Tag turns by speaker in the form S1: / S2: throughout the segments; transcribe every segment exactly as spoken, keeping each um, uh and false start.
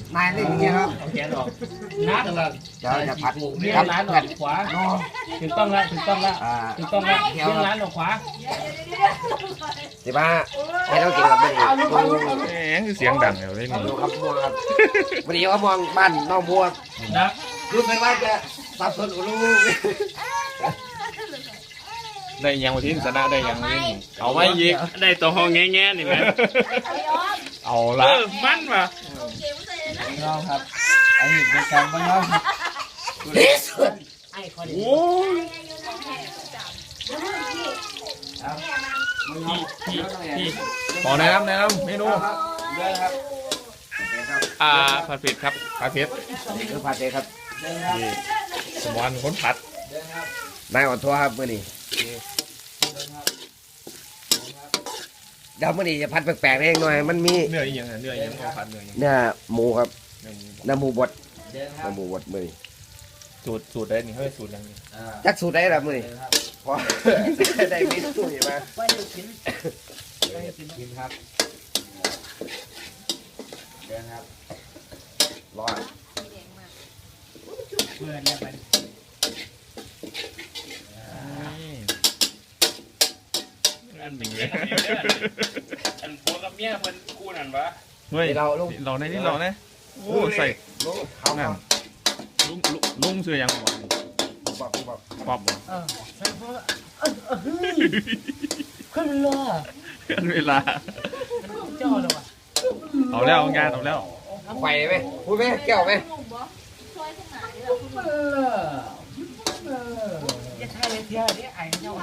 S1: นายเล่นอย่างเงี้ยครับ
S2: เอาแขนออกนัด
S1: เดี๋ยวจะผัด
S2: เลี้ย
S1: ครั
S2: ง
S1: บ
S2: ร้านอ
S1: ผั
S2: อ
S1: ด
S2: กขวาถูกต้องแล้วถูกต้องแล้ว
S1: อ่า
S2: ถูกต้องแล้วเลี้ยงร้านออกขวา
S1: สิบ้าให้เรากินกับมันอีก
S3: แหมคือเสียงดังอยู่เลยนี่
S1: ดูครับม่วงครับวันนี้เขามองบ้านน้องบัว
S2: นะ
S1: รู้ไหมว่าจะสับสนอุลู
S3: ได้ยังวันที่ชนะได้ยังวันที่เอาไม่ยิง
S2: ได้ตัวห้องแง่ๆนี่ไหม
S3: เอา
S2: เอ
S3: ละ
S2: อมันว่ะ
S1: น้องครับไอ้หินในการบ้านน้องโอ้ย
S2: พี่พี่
S3: ขอแนะนำแนะนำเมนู
S1: เยอะครับ
S3: อ่าผัดเผ็ดครับผัดเผ็ด
S1: นี่คือผัดเองครับ
S3: นี่สมวันคนผัด
S1: นายอ่อนทัวครับมื่อนี้เดี๋ยวมื่อนี้จะผัดแปลกๆเองหน่อยมันมี
S3: เนื้ออีกอย่างเนื้ออีกอย่างเอาผัดเนื้ออย่าง
S1: เนื้อหมูครับ
S3: เนื้อหมู
S1: เนื้อหมูบดเนื้อหมูบดมื่อนี้
S3: สูตรสูตรได้นี่เฮ้ยสูตรยังนี่
S1: จักสูตรได้ละมื่อนี้พอได้เมนูนี่มากินครับเดินครับรอด
S2: เพื่อนเนี่ยมัน
S3: อันหนึ่งเลย
S2: อันผัวกับเมียมันคู่นั่นวะ
S3: เฮ้ย
S1: เราลูก
S3: เราในนี่เราเนี่ยโอ้ใส่
S1: ลูกเขา
S3: นั่นลุงลุงลุงเสื้อยังบ่
S1: บอกบอก
S3: ป๊อบบ่
S2: เออใส่ผัวเออเออเฮ้ยขึ้นเลย
S3: กันเวลา
S2: เจ้าเลยวะ
S3: เอาแล้วงานเอาแล้ว
S1: ไข่ไหมพูดไหมแก้วไหม
S2: อย่าใช่เลยเที่ยนี่ไอ้เจ้า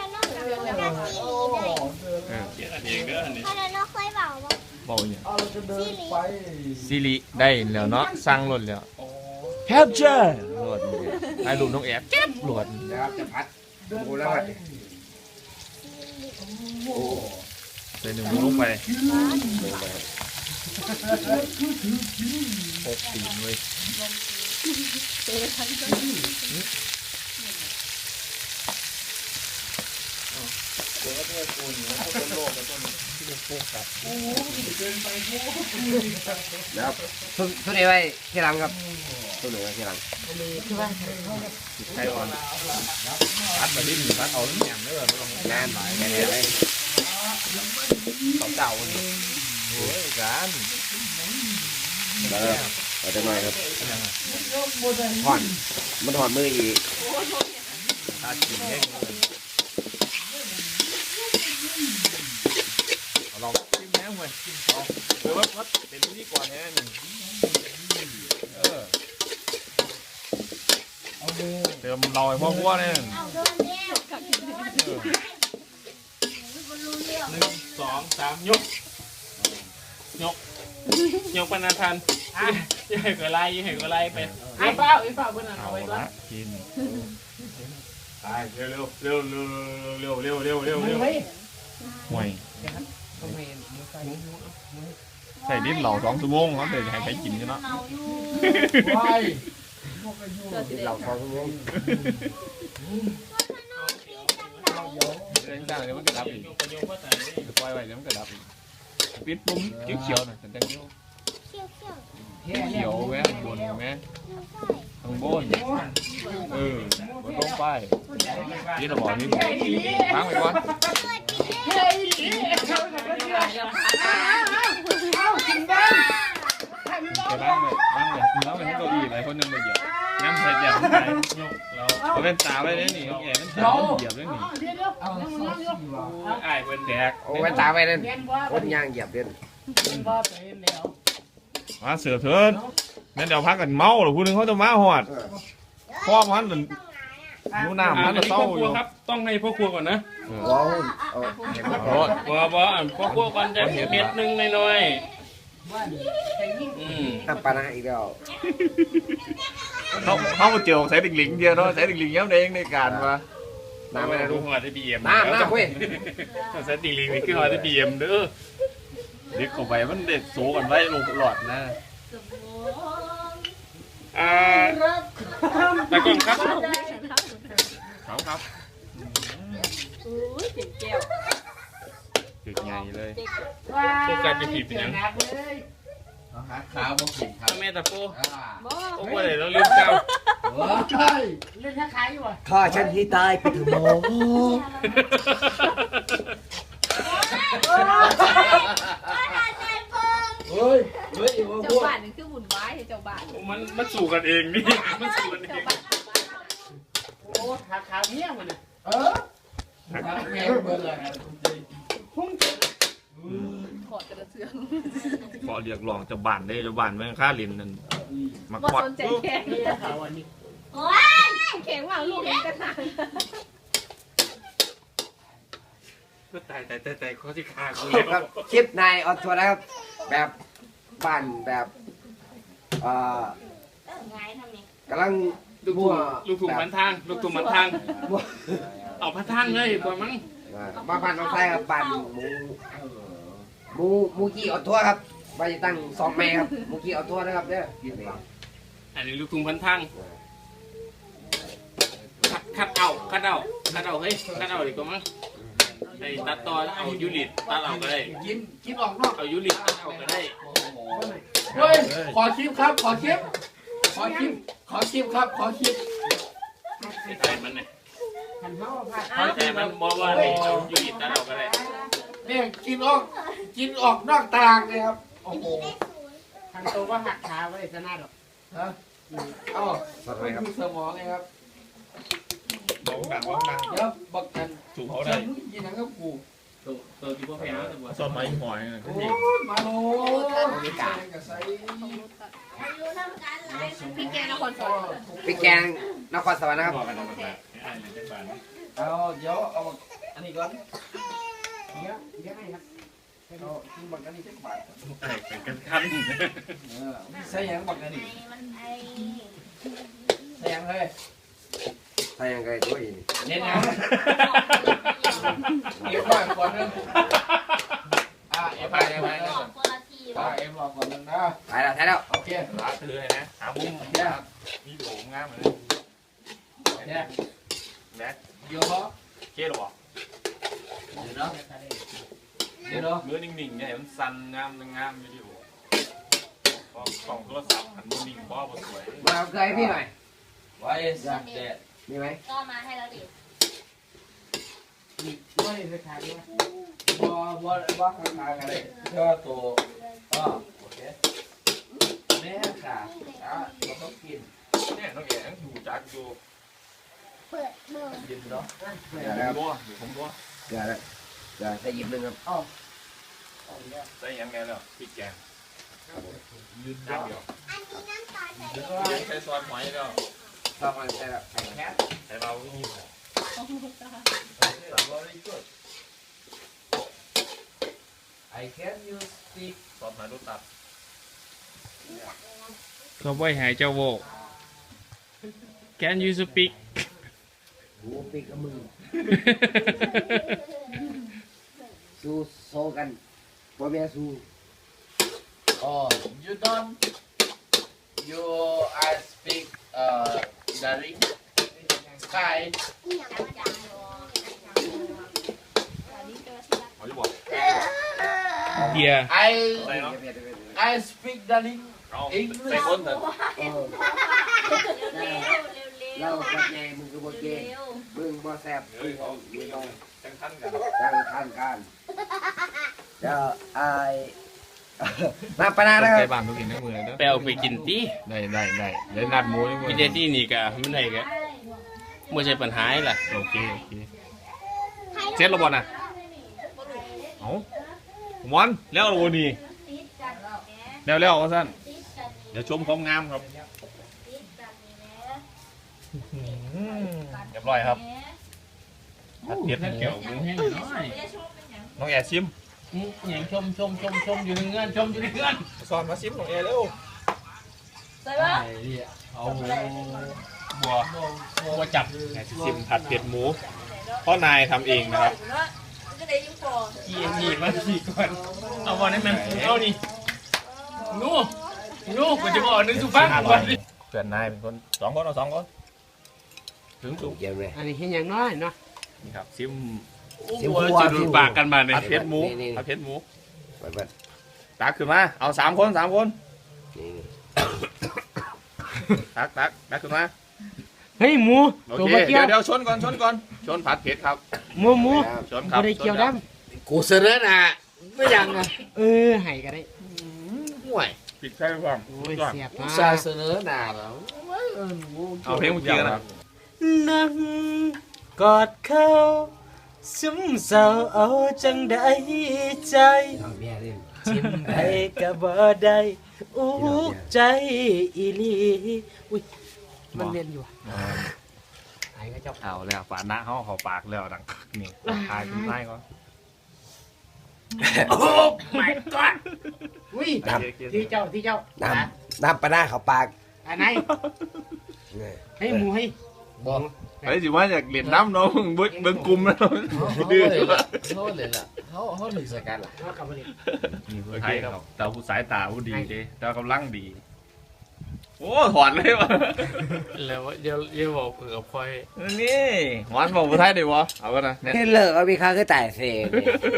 S3: เออ
S2: เกี่ยเองเด้อนี่
S4: พอแล้วเราเคยบอกว่า
S3: บอกอย่าง
S4: ซีรีส์
S3: ซิริได้แล้วเนาะสร้างรถแล้วแฮปเจอร์รถไอ้ลูกน้องแอบเจ็บรถ
S1: นะครับจะพัดหมูแล้วพัด
S3: ใส่หนึ่งลงไปหกตีนเว้ย
S1: นะครับทุกทุกนี้ไว้ที่หลังครับทุกนี้ไว้ที่หลัง
S3: ไก่อ่อนพัดมาดิ้นพัดเอาน้ำแหนมด้วยไม่ต้อง
S1: แน่นแน่นเลย
S3: ต่อเจ้าเลยโอ้ยการ
S1: แล้วเอาจะหน่อยครับถอนมันถอนมืออีก
S3: ตากินแห้งลองชิมแห้งไปเอาเดี๋ยววัดเป็นที่ก่อนแห้งเออเติมเราไอ้พ่อพัวเนี่ย
S4: เอาโดนเดียวกับถึงโดนเดียว
S2: หนึ่งสองสามยกยกยกปนาทันยังไงก็ไล่ยังไงก็ไล่ไปไอ้เป้าไอ้เป้าเพื่อนเอาไว้ก่อน
S3: กินไปเร็วเร็วเร็วเร็วเร็วเร็วเร็วเร็วห่วยใส่ดิ้นเหล่าสองชั่วโมงแล้วเดี๋ยวให้ใครกินกันเนาะ
S1: ที่เราพอทุกคน
S3: เรื่องต่างเดี๋ยวมันกระดับอีกปล่อยไว้เดี๋ยวมันกระดับอีกปิดปุ่มเขียวๆหน่อยแต่เขียว
S4: เขี้ยวเขี้ยว
S3: เขียวแม่บนแม่ข้างบนเออบนลงไปนี่เราบอกนี่ล้างไปก่อนไปล้างไปล้างไปล้างไปทั้งเก้าอี้หลายคนยังไม่เหยียบน้ำใส่เหยียบไปยกเราเอาเป็นตาไว้เลยนี่แอบเป็นตาเหยียบเลยนี่
S2: ไอ้เพื่อนแดก
S1: โอ้ไว้ตาไว้นั่นคนย่างเหยียบเด่น
S3: มาเสือเถินนั่นเดี๋ยวพักกันเมาหรือผู้นึงเขาจะมาหอดพ่อมันหรือนูน้ำมันจะเศร้าอยู่
S2: ครับต้องให้พ่อครัวก่อนนะ
S1: ว้าวเอา
S3: โอ้
S2: บ่บ่พ่อครัวก่อนจะเผ็ดนึงหน่อยอืม
S1: น้ำปลาอีกแล้ว
S3: เขาเขามาเจียวใส่ดิ่งหลิงเดียวเนาะใส่ดิ่งหลิงย้ำเองในการมา
S1: น้ำไม่ได้
S2: ดู
S1: รู้
S2: หัวได้บีเอ็ม
S1: น้ำน้ำเว้ย
S2: ใส่ติ่งลิงนี่คือหัวได้บีเอ็มเด้อ
S3: เด็กเข้าไปมันเด็ดโซกันไว้ลงหลอดนะ
S2: อ่าตะกอนครับ
S3: ครับครับ
S5: อุ้ยเจ๋งแก้ว
S3: ถึกใหญ่เลย
S2: พวกการจะผิดเป็นยัง
S1: ฮ
S3: หาขาวบ่กินครับ
S2: แม่ตะโพ
S3: อ่า
S5: บ่
S2: โอ้ยเราลืมเก่า
S3: เฮ้ย
S5: เรื่องถ้าขายอยู่อ่ะ
S1: ข้าฉันที่ตายไปเถอะหมอ
S3: เฮ้ยเฮ้ยว่า
S5: เจ้า
S3: พวก
S5: บ้านนี่คือบุญไว้เจ้าบ้าน
S2: มันมันสู่กันเองนี่มันสู่กันเอง
S5: โอ้ขาขาวเนี้ยมัน
S3: เออทางแม่เบิ่งเลยพุ่ง
S5: ขอดกระเทือง
S3: ขอเรียกร้องเจ้าบ้านได้เจ้าบ้านแม่งค่าเรียนนั่นมา
S5: บ่
S3: ควัด
S5: สนใจแข่งนี่เขาวันนี้แข่งว่าลูกเห็นกระถาง
S2: ก็ตายตายตายตายเขาที่คากู
S1: คลิปครับคลิปนายออนทัวร์นะครับ แบบบ้านแบบเอ่อกำลัง
S2: ลูกถุงลูกถุงพันทางลูกถุงพันทางเอาพันทางเลยกว่ามั้ง
S1: มาบ้านน้องไส้ครับบ้านหมูหมูหมูกี้ออนทัวร์ครับไปตั้งสองแม่ครับหมูกี้ออนทัวร์นะครับเนี่ย
S2: อันนี้ลูกถุงพันทางคัดคัดเอาคัดเอาคัดเอาเฮ้ยคัดเอาดีกว่ามั้งไอ้ตัดต่อเอายูริตตัดเอาก็ได้
S3: กินกินออกนอก
S2: เอายูริตตัดเอาก็ได้
S3: เฮ้ยขอคลิปครับ ขอคลิปขอคลิปขอคลิปครับขอคลิป
S2: ไอ้ใจมันเนี่ยไอ้ใจมันบอกว่าเอายูริตตัดเอาก็ได้
S3: เนี่ยกินออกกินออกนอกตารางเลยครับโอ้โห
S5: ทางตัวว่าหักขาไว้ชนะหรอก
S3: ฮะเอ้า
S1: สวัส
S3: ไม่
S1: ดีครับ
S3: มีสมองเลยครับ
S2: บอกดังบอกดัง
S3: เดี๋ยวบอกกัน
S2: ถูกเขา
S3: ฉั
S2: ได้
S3: นกินหนังกับกู
S2: ตัวตัวที่พวกแพ้ตัว
S3: ซอสไม้หอย
S2: ก็
S3: โอ้
S2: ยิง
S3: ยมาโลมีกากับไซ
S5: พี่แกนครสวรรค์
S1: พี่แกงนครสวรรค์นะครับ
S2: บอกกันเอากันไอ้เลยได้บ้าน
S3: เอาเดี๋ยวเอาอันนี้ก่อนเดี๋ยวเดี๋ยวให้ครับเอาที่บักอันนี้เป็นบาท
S2: ไอ้เป็นกันขั้น
S3: เออใส่ยังบักอันนี้ใส่ยังเฮ้ย
S1: ถ้ายังไงตัวอีก
S3: เน้นนะเอ็มรอก่อนนึงอ่าเอ็มไปเอ็มไปอ่าเอ็มรอก่อนนึงนะ
S1: ถ่ายแล้วถ่ายแล้ว
S3: โอเค
S2: ร้านเธอเลยนะหามุม
S3: เนี่ย
S2: มีโถงงามเลย
S3: เนี่ย
S2: แม็ก
S3: เดี๋ยวเหรอ
S2: เจ๊หรอ
S3: เดี๋ยวเนาะเดี๋ยวเนาะ
S2: เนื้อนิ่งๆเนี่ยมันสั่นงามงามวิดีโอก็กล่องโทรศัพท์หันมือนิ่งบ้าสวย
S1: มาเอาเกลือให้พี่หน่อย
S3: ไว้สักเด็ด
S1: มีไหม
S4: ก็มาให้เราดิ
S5: ไม่ได้ขายด้วย
S3: บ่บ่บ่ข้างๆกันเลยก็ตัวอ๋อโอเคแม่ค่ะอ่ะเราต้องกิน
S2: เนี่ยน้องแอ๋อยู่จักอยู่
S4: เปิดเบอร์
S3: กินเนาะ
S1: เกลือแล้ว
S2: ตัวอยู่ผมตัว
S1: เกลือแล้วเกลือใส่หยิบหนึ่งครับ
S2: ใส่ยังไงแล้วพริกแกง
S3: ยืน
S2: จาน
S3: เนาะ
S2: เดียว
S4: อันนี้น้ำตาลใส่
S2: ใส่ซอสหอยแล้ว
S1: ชอบมันใส่แล้ว
S3: แค่
S2: ใส่เราที่นี่
S3: very good I can you speak
S2: ซอสหอยรสตัดเขาไม่หายเจ้าโวก Can you speak
S1: โอ้ปีกกับมือสู้โซกันพ่อแม่สู้
S3: oh you don't you I speak uh darling sky
S2: เขาจะบอกเดีย
S3: I
S2: ใส่เนาะ
S3: I speak darling
S2: เอาใส่คนเถอะ
S1: เออเราจับใหญ่มึงคือบ่เก่งมึงบ่แซ่บมึงเอามึงเอา
S2: จังทันกัน
S1: ตั้งท่านการเดี๋ยวไอ้มาปะนานะค
S3: ไป
S1: รับ
S3: บ้านทุกทีในมือเลยเด้อ
S2: ไปเอาไปกินตี
S3: ได้ได้ได้ได้นัดหมูในมือ
S2: กินได้ที่นี่กะไม่ได้กะไม่ใช่ปัญหาแหละ
S3: โอเคโอเคเสร็จแล้วบ่น่ะเอ้าวันแล้วโอ้นี่แล้วแล้วว่าซั่นเดี๋ยวชมความงามครับเรียบร้อยครับผัดเผ็ดแก้วหมูแห้งน้อยน้องแอร์ชิม
S2: อย่างชมชมชมชมอยู่ในเงื่อนชมอยู่ในเงื่อน
S3: สอนมาชิมน้องแอร์เร็ว
S5: ใส่ป่ะ
S3: เอา
S2: บัวบัวจับ
S3: แอร์ชิมผัดเผ็ดหมูพ่อนายทำเองนะครับ
S5: ก็ได้ยุ่งก่อน
S2: ขี่ขี่มาขี่ก่อนเอาบอลให้มันเอานี่นู่นู่กูจะบอกนึกสุภาพก่อน
S3: เพื่อนนายเป็นคนสองคนเอาสองคนถึงสูง
S1: เยี่ยมเลย
S5: อันนี้เห็นอย่างน้อยเนาะ
S3: นี่ครับชิม
S2: โอ้ยจะดูปากกันมาเนี่ย
S3: ผัดเผ็ดหมู
S1: นี่นี่
S3: ผัดเผ็ดหมู
S1: เปิดเปิด
S3: ตักขึ้นมาเอาสามคนสามคน
S1: นี่
S3: ตักตักตักขึ้นมา
S5: เฮ้ยหมู
S3: โอ
S5: ตัว
S3: เค
S5: มาเกี่ย
S3: เดี๋ยว วเดี๋ยวชนก่อนชนก่อนชนผัดเผ็ดครับ
S5: หมูหมู
S3: ชนครับ
S5: บ่ได้เกี่ยวน้
S1: กูเสนอหน้าไม่ยังอ่ะ
S5: ำเออให้ก็ได้
S1: ห่วย
S3: ปิดใช่ไหมครับ
S5: โอ้ยเสียบ
S1: กู
S5: มา
S1: ซาเสนอหน้าแล้ว
S3: เอาเพลงเมื่อกี้นะ
S5: นั่งกอดเขาซึมเศร้าเอาจังได้ใจ
S1: เอาเมียเล่น
S5: จิ้มได้ก็บ่ได้อุกใจอีหลีอุ้ยมันเรียนอยู่อ่ะไอ้ก็เจ้า
S3: เอาแล้วฝาหน้าเขาเขาปากแล้วดังนี่ทายคุณได้ก็
S5: โอ้ my god อุ้ยที่เจ้าที่เจ้า
S1: น้ำน้ำปลาหน้าเขาปาก
S5: อันไหนให้หมูให้
S1: บอก
S3: ไอ้สิว่าอยากเรียนน้ำเนาะเบิ้งเบิ้งกลุ่มแล้วดื้อ
S1: เขาเลยล่ะเขาเขาถึงสกัดล่ะ
S5: เอากลับมาเลย
S3: นี่ผู้ไทยครับแต่ผู้สายตาผู้ดีเด้แต่กำลังดี โอ้ถอนเลยวะ
S2: แล้วเดี๋ยวเดี๋ยวบอกกับพลอย
S3: นี่หวานบอกผู้ไทยได้วะเอากันนะเนี่ย
S1: เฮ้ยเลิกเอามีค่าคือแต่เสก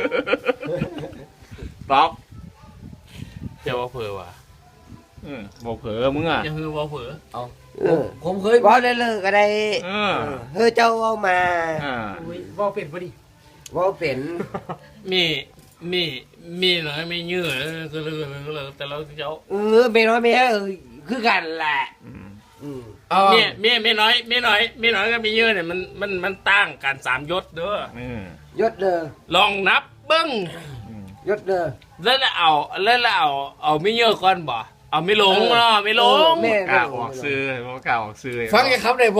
S3: ตอบ
S2: เดี๋ยวว่าเผื่อว่ะ
S3: อืมบอกเผลอมึงอ่ะ
S2: ยังคือว่าเผื่อ
S1: ผมเคยบอกได้เลิกก็ได้
S3: เออ
S1: เฮ้ยเจ้าเอามา
S3: อ่า
S5: อุ้ยว่าเป็นพอดี
S1: ว่าเป็น
S2: มีมีมีหน่อยไม่ยืดก็เลยก็เลยแต่เราเจ้า
S1: เออเป็นว่าไม่ใช่เออคือกันแหละ
S3: อืม
S1: อืม
S2: เมียเมียเมียน้อยเมียน้อยเมียน้อยก็มีเยอะเนี่ยมันมันมันตั้งกันสามยศเด้อ
S3: อืม
S1: ยศเด้อ
S2: ลองนับเบิ้ง
S3: อืม
S1: ยศเด้อ
S2: แล้วแล้วเอาแล้วแล้วเอาเอาไม่เยอะก่อนบ่เอาไม่หลงเนาะไม่หลง
S1: แม่
S3: กล้าออกซื้อเพราะกล้าออกซื้อ
S1: ฟังไอ้คำไหนบ่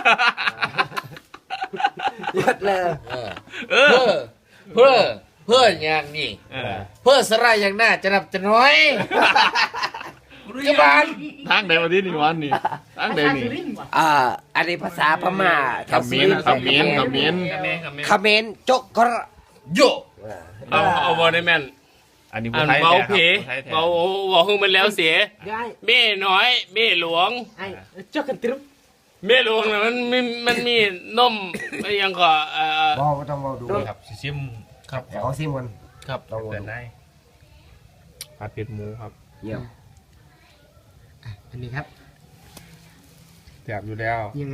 S1: ยศเลย
S3: เออ
S6: เพื่อเพื่อเพื่ออย่างนี้
S3: เออ
S6: เพื่อสลายอย่างหน้าจะนับจะน้อยกบาล
S3: ทางไหนมาที่นี่วันนี่ทางไหนนี่
S1: อ่าอันนี้ภาษาพม่า
S3: คำเมนคำเมนคำเมน
S2: กับแม่กับแม่
S1: คำเมนจกกระ
S6: โย
S2: เอาเอาบอลได้แม่น
S3: อันนี้
S2: อั
S3: ผู้
S2: น
S3: ไทย
S2: เบา
S3: แท้
S2: เพ
S3: ครับผู้ไทยแท้
S2: เบาเบาหึงมันแล้วเสีย
S5: ได้
S2: เม่น้อยเม่หลวง
S5: ไอ้เจ้ากันตรึบ
S2: เม่หลวงน่ะมันมันมันมีนมอะไรยังก็เอ่อ
S1: บอกก็ต้องบอกดู
S3: ครับซิมครับ
S1: เดี๋ยวเขาซิมกัน
S6: ครับ
S1: ลองดู
S3: เดินได้ผัดเผ็ดหมูครับ
S1: เยี่ยม
S5: อ่ะอันนี้ครับ
S3: แซ่บอยู่แล้ว
S5: ยังไง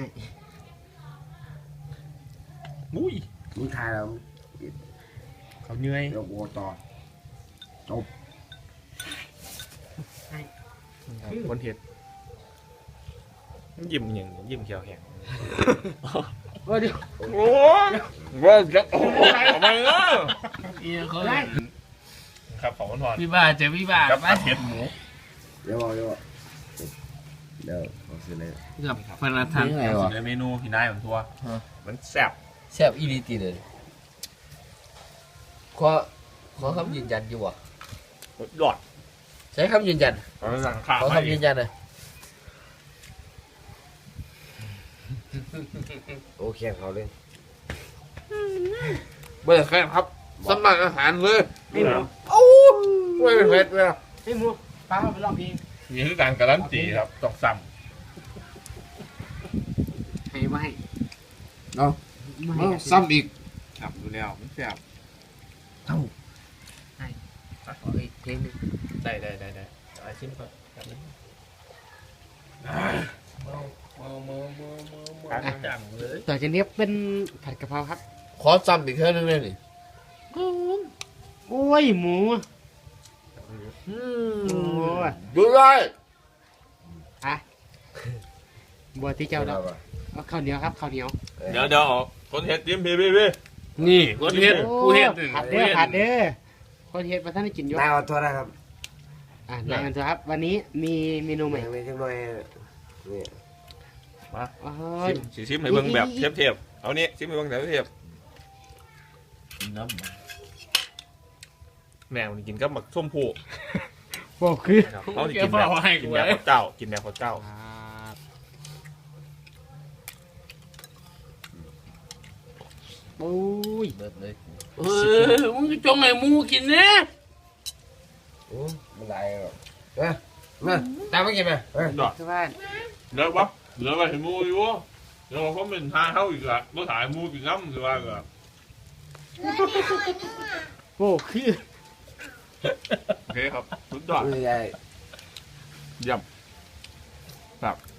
S3: อุ้ย
S1: มึงทายแล้ว
S3: เขาเหนื่อย
S1: เดี๋ยวโวต่อจบ
S3: คนเห็ดยิ้มอย่างยิ้มเขียวแข็ง
S5: โอ้เดี๋ยว
S3: โอ้ยว่าจะโอ้ยทำไมเนาะ
S2: อีเขา
S3: ครับของคนทอน
S2: พี่บ้าเจอพี่บ้า
S3: กับ
S2: ไป
S3: ผัดเผ็ดหมู
S1: เดี๋ยวบอกเดี๋ยวบอกเดี๋ยวเขาซื้อเลย
S2: กับพนักงาน
S6: ยังไงวะ
S3: ในเมนูพี่นายของทัวมันแซ่บ
S6: แซ่บอีหลีตีเลยขอขอคำยืนยันอยู่วะ
S3: ยอด
S6: ใช้คำยืนยัน
S3: เขาสั่งข้าว
S6: ขอ
S3: ให้
S6: คำยืนยันเลย
S1: โอเคเขาเลย
S6: เบิร์ดแค่ครับสมัครอาหารเลย
S5: ให้หมู
S6: ไม่เป็นเผ็ดเลย
S5: ให้หมูป้าไปลองเพลง
S3: นี่คือการการันตีครับต้องซ้
S5: ให้มาให้
S6: เอา
S5: มาให้
S6: เอาซ้ำอีก
S3: ำครับดูแล้วมันแซ่บ
S5: ขออีกเพลงหนึง
S3: ได้ได้ได้ได้ไอ้ชิ้นก่อนการจังเลย
S5: ต่อจากนี้เป็นผัดกะเพราครับ
S6: ขอซ้ำอีกเท่านึงเลยนี่
S5: โอ้ยหมู
S6: อื
S5: โอ้
S6: ม
S5: ย
S6: ดูได้
S5: อ่ะบัวที่เจ้าแล้วเอาข้าวเหนียวครับข้าวเหนียว
S3: เดี๋ยวเดี๋ยวคนเห็ดจิ้มพี่พี่พี่
S2: นี่คนเฮ็ดผู้เฮ็ด
S5: ผัดเด้อผัดเด้อคนเฮ็ดมาท่านได้กินอยก
S1: นายขอโทษนะครับ
S5: อ่ะนายกันเถอะครับ วันนี้มีเมนูใหม่
S1: ยังไม่จังหน่อยนี่
S3: มา
S5: โอ้
S3: ชิ
S5: ย
S3: มสิชิมให้เบิ่งแบบเทียบเทียบเอานี่ชิมให้เบิ่งแบบเทียบ
S6: น้
S3: แม่มันกินกับหมักส้มผู้
S5: บอกคือ
S3: เขาจะกินแบบกินแบบข้าวเจ้ากินแบบข้าวเจ้า
S5: ครับโอ้ย
S6: ำเบิร์ดเลย
S2: เออมึงจงให้หมูกินเนี่ย
S1: โอ้มันได้หรอกเอ้ยมาตามมากินไหมเอ้ย
S3: ดอด
S5: คือว่า
S3: เหลือปะเหลือไปเห็นมูอยู่วะเดี๋ยวเขาเป็นทาเข้าอีกละก็ถ่ายมูกินน้ำหรือว่าก็
S5: โอ้คือ
S3: โอเคครับสุดยอด
S1: ไม่ได้
S3: เยี่ยมครับ